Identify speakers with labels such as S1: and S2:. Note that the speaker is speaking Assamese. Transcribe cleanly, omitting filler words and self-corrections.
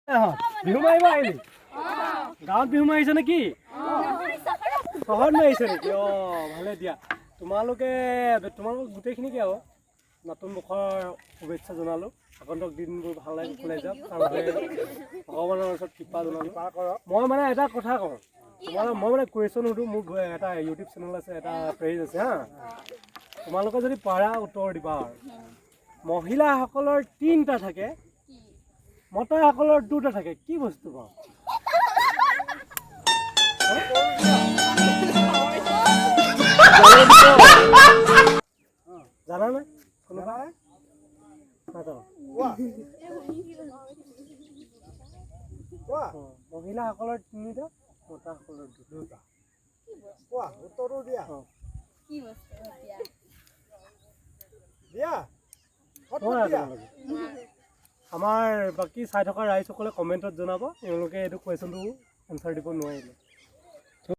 S1: বিহু মাৰিব আহিলি গাঁৱত বিহু মাৰিছে নেকি চহৰত মাৰিছে নেকি ভালে দিয়া তোমালোক গোটেইখিনিকে আৰু নতুন বৰ্ষৰ শুভেচ্ছা জনালোঁ আগন্তুক দিনবোৰ ভাল লাগি খোলাই যাওক ভগৱানৰ ওচৰত কৃপা জনালোঁ মই মানে এটা কথা কওঁ তোমালোক মই মানে কুৱেশ্যন সুধোঁ মোৰ এটা ইউটিউব চেনেল আছে এটা পেজ আছে হা তোমালোকে যদি পাৰা উত্তৰ দিবা আৰু মহিলাসকলৰ 3টা থাকে মতাসকলৰ 2টা থাকে কি বস্তু পাওঁ জানা নাই কোনোবা মহিলাসকলৰ 3টা মতাসকলৰ 2টা উত্তৰটো দিয়া আমাৰ বাকী চাই থকা ৰাইজসকলে কমেণ্টত জনাব তেওঁলোকে এইটো কুৱেশ্যনটো এনচাৰ দিব নোৱাৰিলে